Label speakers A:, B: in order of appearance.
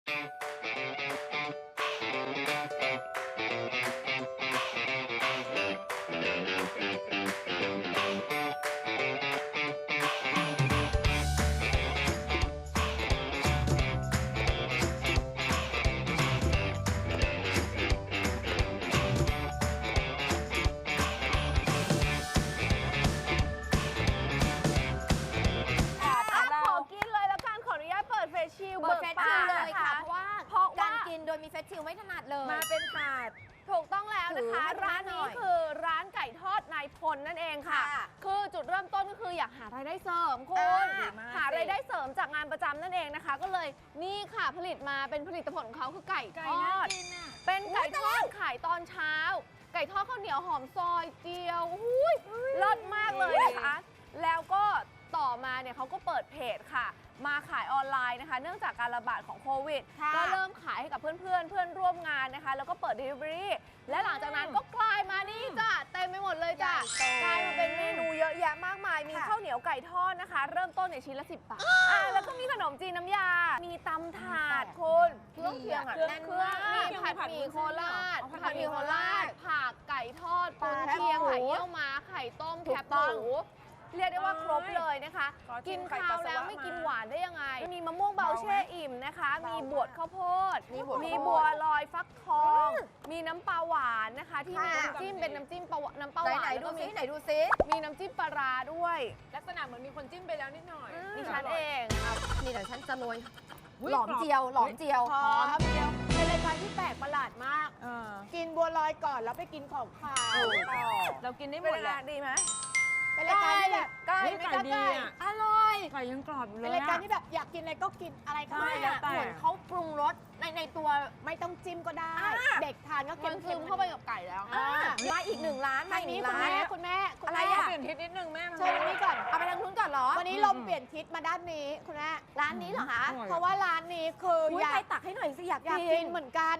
A: เปิดเฟซชิลเลยค่ะเพราะว่าการกินโดยมีเฟซชิลไม่ถนัดเลย
B: มาเป็นถาด
C: ถูกต้องแล้วนะคะร้านนี้คือร้านไก่ทอดนายพลนั่นเองค่ะคือจุดเริ่มต้นก็คืออยากหารายได้เสริมคุณหารายได้เสริมจากงานประจำนั่นเองนะคะก็เลยนี่ค่ะผลิตมาเป็นผลิตผลของเขาคือไก่ทอดเป็นไก่ทอดขายตอนเช้าไก่ทอดข้าวเหนียวหอมซอยเจียวเลิศมากเลยนะคะแล้วก็ต่อมาเนี่ยเขาก็เปิดเพจค่ะมาขายออนไลน์นะคะเนื่องจากการระบาดของโควิดก็เริ่มขายให้กับเพื่อนร่วมงานนะคะแล้วก็เปิด Delivery และหลังจากนั้นก็กลายมานี่จ้ะเต็มไปหมดเลยจ้ะกลายมาเป็นเมนูเยอะแยะมากมายมีข้าวเหนียวไก่ทอดนะคะเริ่มต้นในชิ้นละ10 บาทแล้วก็มีขนมจีนน้ำยามีตำถาดคุณเครื่องเคียงแน่นเครื่องมีผัดหมี่โคราชผักไก่ทอดกุนเชียงไข่เยี่ยวม้าไข่ต้มแคบหมูเรียกได้ว่าครบเลยนะคะกินข้าวแล้วไม่กินหวานได้ยังไงมีมะม่วงเบาแช่อิ่มนะคะมีบวชข้าวโพดมีบัวลอยฟักทองมีน้ำปลาหวานนะคะที่มีน้ำจิ้มเป็นน้ำจิ้มน้ำปลาหวานไหนดูซิมีน้ำจิ้มปลาร้าด้วย
B: ลักษณะเหมือนมีคนจิ้มไปแล้วนิดหน่อย
C: ดิฉันเอง
A: นี่เดี๋ยวฉันจะโรยหลอมเจียวหอมเจียว
B: เป็นรายการที่แปลกประหลาดมากกินบัวลอยก่อนแล้วไปกินของขาวเรากินได้หมดแหละ
C: ดีไหม
B: เป็นรายการที่แบบ
A: ไก่ดี
B: อร่อย
A: ไก่ยังกรอบอยู่เลย
B: เป็นรายการที่แบบอยากกินอะไรก็กินอะไรก็ได้
A: เหมือนเขาปรุงรสในตัว
B: ไม่ต้องจิ้มก็ได้เด็กทานก็เค็ม
C: เข้าไปกับไก่แล้ว
A: มาอีก1 ร้าน
B: ทางนี้คุณแม่
A: อะไร
B: เปลี่ยนทิศนิดนึงแม่
A: เชิญทางนี้ก่อนเอาไปทางนู้นก่อนเหรอ
B: วันนี้ลมเปลี่ยนทิศมาด้านนี้คุณแม่
A: ร้านนี้เหรอคะ
B: เพราะว่าร้านนี้คือ
A: อยากตักให้หน่อยสิอยาก
B: กินเหมือนกัน